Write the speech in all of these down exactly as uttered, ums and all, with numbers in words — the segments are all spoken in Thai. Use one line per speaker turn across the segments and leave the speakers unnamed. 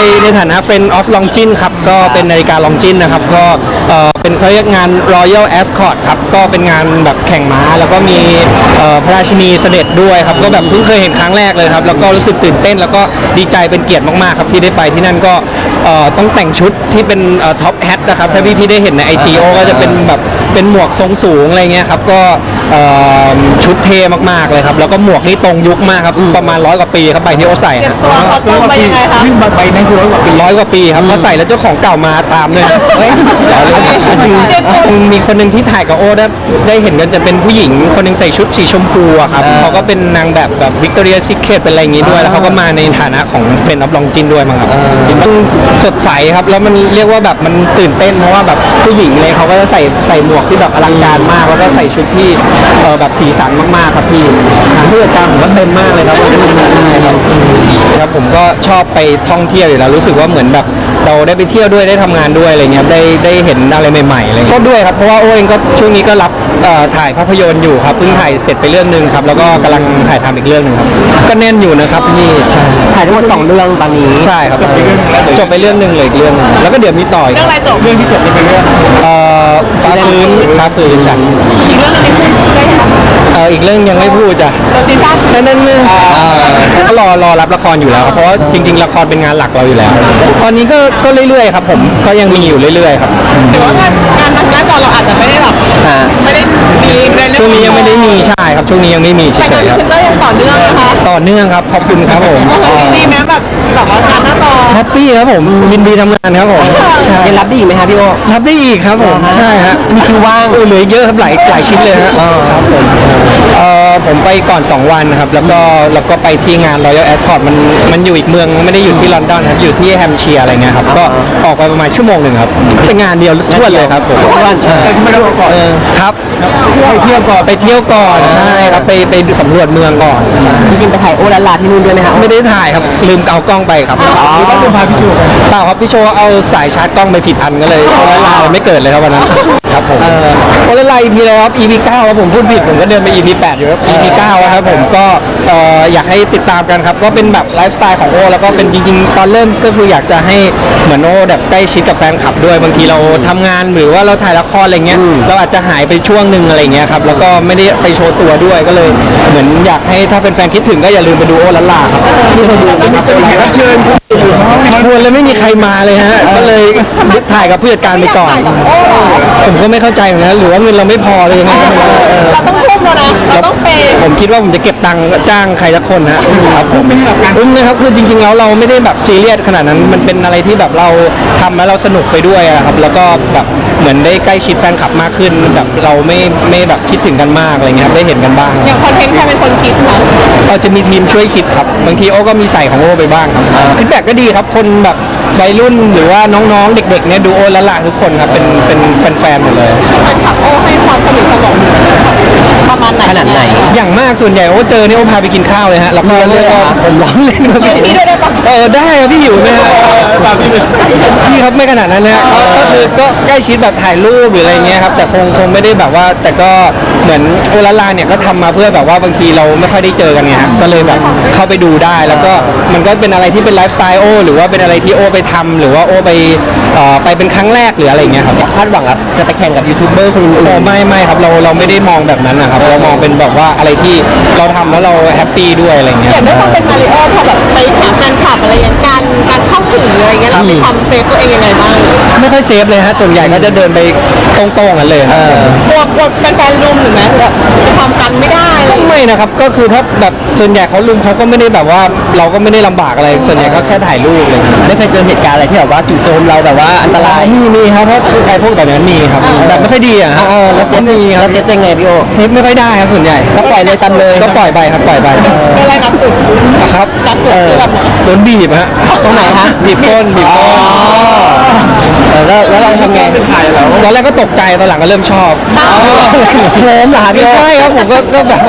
ในฐานะ Friend of Longines ครับก็เป็นนาฬิกา Longines นะครับก็เอ่อเป็นเขาเรียกงาน Royal Ascot ครับก็เป็นงานแบบแข่งม้าแล้วก็มีเอ่อพระราชินีเสด็จด้วยครับก็แบบเพิ่งเคยเห็นครั้งแรกเลยครับแล้วก็รู้สึกตื่นเต้นแล้วก็ดีใจเป็นเกียรติมากๆครับที่ได้ไปที่นั่นก็เอ่อต้องแต่งชุดที่เป็นท็อปแฮทนะครับถ้าพี่ๆได้เห็นใน ไอ จี โอ ก็จะเป็นแบบเป็นหมวกทรงสูงอะไรเงี้ยครับก็เอ่อชุดเท่มากๆเลยครับแล้วก็หมวกนี่ตรงยุคมากครับประมาณร้อยกว่าปีครับใบที่เขาใส่
ตัวเขาตรงไปยังไงคะ
ใบนั้นคือร้อยกว่าปี
ร้อยกว่าปีครับเขาใส่แล้วเจ้าของเก่ามาตามเลยเฮ้ยจริงมีคนหนึ่งที่ถ่ายกับโอ้ได้ได้เห็นกันจะเป็นผู้หญิงคนหนึงใส่ชุดสีชมพูอะครับเขาก็เป็นนางแบบแบบวิกตอเรียซีเคร็ตเป็นอะไรอย่างงี้ด้วยแล้วเขาก็มาในฐานะของเป็นอัพลองจินด้วยมั้งครับมันสดใสครับแล้วมันเรียกว่าแบบมันตื่นเต้นเพราะว่าแบบผู้หญิงเลยเขาก็จะใส่ใส่หมวกที่แบบอลังการมากแล้วก็ใส่ชุดที่เออแบบสีสันมากๆครับพี่ทางผู้จัดการผมก็เต็มมากเลยครับครับผมก็ชอบไปท่องเที่ยวอยู่แล้วรู้สึกว่าเหมือนแบบเราได้ไปเที่ยวด้วยได้ทำงานด้วยอะไรเงี้ยได้ได้เห็นอะไรใหม่ๆอะไรก็ด้วยครับเพราะว่าโอ้เองก็ช่วงนี้ก็รับถ่ายภาพยนตร์อยู่ครับเพิ่งถ่ายเสร็จไปเรื่องนึงครับแล้วก็กำลังถ่ายทำอีกเรื่องนึงครับก็แน่นอยู่นะครับนี่ใช่
ถ่ายทั้งหมดสองเรื่องตอนนี้
ใช่ครับจบไปเรื่องนึงเลยอีกเรื่องนึงแล้วก็เดี๋ยวมีต่ออีก
เรื่องอะไรจบเรื่องที่จบเป็นเรื่อง
เอ่อฟ้าฟื้นฟ้าฟื้นจ้ะ
อีกเรื่องนึงที่พูดได้ไหม
เอออีกเรื่องยังไม่พูดจ้ะ
เราซีซั่น
นั่นนั่นนั่นก็รอรอรับละครอยู่แล้วครับเพราะว่าจริง ๆละครเป็นงานหลักเราอยู่แล้วตอนนี้ก็ก็เรื่อยๆครับผมก็ยังมีอยู่เรื่อยๆครับ
หรือว่างานงานทางหน้าจอเราอาจจะไม่ได้แบบไม่ได้มีในเรื่อง
ช่วงนี้ยังไม่ได้มีใช่ครับช่วงนี้ยังไม่มีเฉ
แต่งาน
ย
พรี
ๆค
เซ
รับ
นเตอร์ยังต่อเนื่องนะคะ
ต่อเนื่องครับขอบคุณครับผม
ดีไหมแบบแบบว่างานหน้าจอ
แฮปปี้ครับผมยินดีทำงานครับผมใช่
ยังรับได้อีกไหมครับพี่โอ
รับได้อีกครับผมใช่ฮะ
มีคิวว่าง
เออเหลือเยอะครับหลายหลายชิ้นเลยฮะครับผมเอ่อผมไปก่อนสองวันครับแล้วก็แล้วก็ไปที่งาน Royal Ascot มันมันอยู่อีกเมืองไม่ได้อยู่ที่ลอนดอนครับอยู่ที่แฮมป์เชียร์อะไรเงี้ยครับก็ออกไปประมาณชั่วโมงหนึ่งครับเป็นงานเดียวทั่วเลยครับผม
วันใช่
แต่ไม่ได้บอกก่อนครับไปเที่ยวก่อนไปเที่ยวก่อนใช่ครับไปไปสำรวจเมืองก่อน
จริงๆไปถ่ายโอลาลาที่นู่นด้วยไหมครับ
ไม่ได้ถ่ายครับลืมเอากล้องไปครับ
หรือว่าลืมพาพี่โชว์ไป
เปล่าครับพี่โชว์เอาสายชาร์จกล้องไปผิดอันก็เลยโอละลายไม่เกิดเลยครับวันนั้นครับผมโอละลาย อี พี แล้วครับ อี พี เก้าครับผมพูดผิดผมก็เดินไป อี พี แปดอยู่ครับ อี พี เก้าครับผมก็เอ่ออยากให้ติดตามกันครับก็เป็นแบบไลฟ์สไตล์ของโอแล้วก็เป็นจริงๆตอนเริ่มก็คืออยากจะให้เหมือนโอแบบใกล้ชิดกับแฟนคลับด้วยบางทีเราทำงานหรือว่าเราถ่ายละครอะไรเงี้ยเราอาจจะหายไปช่วงหนึ่งอะไรเงี้ยครับแล้วก็ไม่ได้ไปโชว์ตัวด้วยก็เลยเหมือนอยากให้ถ้าแฟนๆคิดถึงก็อย่าลืมไปดูโอละลาครับที่เขาดูนะครับแขกรับเชิญขบวนเลยไม่มีใครมาเลยฮะก็เลยถ่ายกับผู้จัดการไปก่อนผมก็ไม่เข้าใจเหมือนกันหรือว่าเงินเราไม่พอเลยยังไงก็ไม่รู้
เราต้องทุ่มแล้วนะเราต้องเปย์
ผมคิดว่าผมจะเก็บตังค์จ้างใครสักคนฮะครับผมไม่ใช่แบบการอุ้มนะครับคือจริงๆแล้วเราไม่ได้แบบซีเรียสขนาดนั้นมันเป็นอะไรที่แบบเราทำแล้วเราสนุกไปด้วยอะครับแล้วก็แบบเหมือนได้ใกล้ชิดแฟนคลับมากขึ้นแบบเราไม่ไม่แบบคิดถึงกันมากอะไรเงี้ยได้เห็นกันบ้าง
อย่างคอนเทนต์ใครเป็นคนคิดคะ
เราจะมีทีมช่วยคิดครับบางทีโอ้ก็มีใส่ของโอ้ไปบ้างครับฟีดแบ็กก็ดีครับคนแบบวัยรุ่นหรือว่าน้องๆเด็กๆเนี่ยดูโอ้ละละทุกคนครับเป็นเป็นแฟนๆหมดเลย
แฟนคลับโอ้ให้ความสนิทสนมประมาณไหน
ขนาดไหน
อย่างมากส่วนใหญ่โอ้เจอเนี่ยโอ้พาไปกินข้าวเลยฮะแล้วก็
เรียกเหรอ
ผมร้องเล่นครับ
เรียกพี่ด้วยได้ปะ
เออได้ครับพี่หิวไหมฮะพี่พี่ครับไม่ขนาดนั้นนะก็คือก็ใกล้ชิดแบบถ่ายรูปหรืออะไรเงี้ยครับแต่คงคงไม่ได้แบบว่าแต่ก็เหมือนโอลาลาเนี่ยก็ทำมาเพื่อแบบว่าบางทีเราไม่ค่อยได้เจอกันไงฮะก็เลยแบบเข้าไปดูได้แล้วก็มันก็เป็นอะไรที่เป็นไลฟ์สไตล์โอหรือว่าเป็นอะไรที่โอไปทำหรือว่าโอไปเอ่อไปเป็นครั้งแรกหรืออะไรเงี้ยครับ
คาดหวังครับจะไปแข่งกับยูทูบเบอร์คนอื่น
โอ้ไม่ไม่ครับเราเราไม่ได้มองแบบนั้นนะครับเรามองเป็นแบบว่าอะไรที่เราทำแล้วเราแฮปปี้ด้วยอะไรเงี้ย
อย่างด้วยความเป็นมาริโอพอแบบไปหาแฟนคลับอะไรอย่างการการเข้าถึงอะไรเงี้ยเรามีความเซฟตัวเองยังไงบ้าง
ไม่ค่อยเซฟเลยฮะส่วนใหญ่ก็จะเดินไปตรงๆกันเลยครับ
กลัวกลัวแฟนๆรุมหรือไหมแบบจะทำกันไม่ได้อะไร
ก็ไม่นะครับก็คือถ้าแบบส่วนใหญ่เขาลุมเขาก็ไม่ได้แบบว่าเราก็ไม่ได้ลำบากอะไรส่วนใหญ่ก็แค่ถ่ายรูปเลย
ไม่เคยเจอเหตุการณ์อะไรที่แบบว่าจู่โจมเราแบบว่าอันตราย
มีมีครับเพราะใครพวกแบบนั้นมีครับแบบไม่ค่อยดีอ่ะฮะ
เออแล้วเซฟ
มีค
แล้
รับ
วเซฟยังไงพี่โอ
เซฟไม่ค่อยได้ครับส่วนใหญ่
ก็ปล่อยเลยตามเลย
ก็ปล่อยไปครับปล่อยไป
อะไรหนักสุด
ครับ
หนักสุดคือแบบไหน
โดนบีบฮะ
ตรงไหนฮะ
บีบก้นบีบก้น
เออแล้วแล้วเราทำไง
ตอนแรกก็ตกใจตอนหลังก็เริ่มชอบ
เคลิ้มเหรอครับ
ไม่
พี่โอ
ใช่ครับผมก็ก็แบบว่า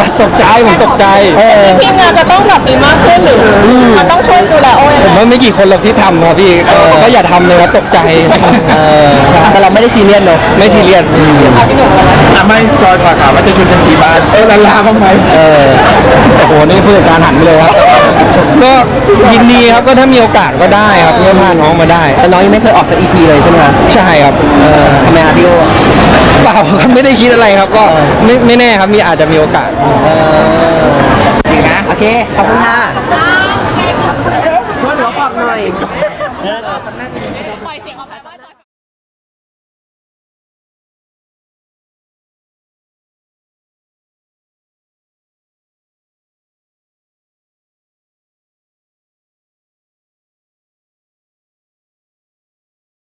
ตกใจผมตกใจเออ
ทีมงานจะต้องแบบมีมากขึ้นหรือมันต้องช่วยดูแลโอ้ย
ผมว่าไม่กี่คนหรอกที่ทำครับพี่เออก็อย่าทำเลยครับตกใจ
เออแต่เราไม่ได้ซีเรียสเนอะ
ไม่ซีเรียสไม่ซีเรียส
เอาพี่หนุ่มก่อนนะ
อ่ะไม่จอยฝากถามว่าจะชวนจันทีบ้านเออลาลาบ้างไหม
เออโอ้โหนี่ผู้จัดการหันไปเลยครับก็ยินดีครับก็ถ้ามีโอกาสก็ได้ครับก็พาน้องมาได้
แต่น้องยังไม่เคยออกสักอีพีเลยใช่ไหมครับ
ใช่ครับเออ
ทำไมครับพี่โอ
เปล่าครับไม่ได้คิดอะไรครับก็ไม่ไม่แน่ครับมีอาจจะมีโอกาส
โอเค ขอบคุณค่ะ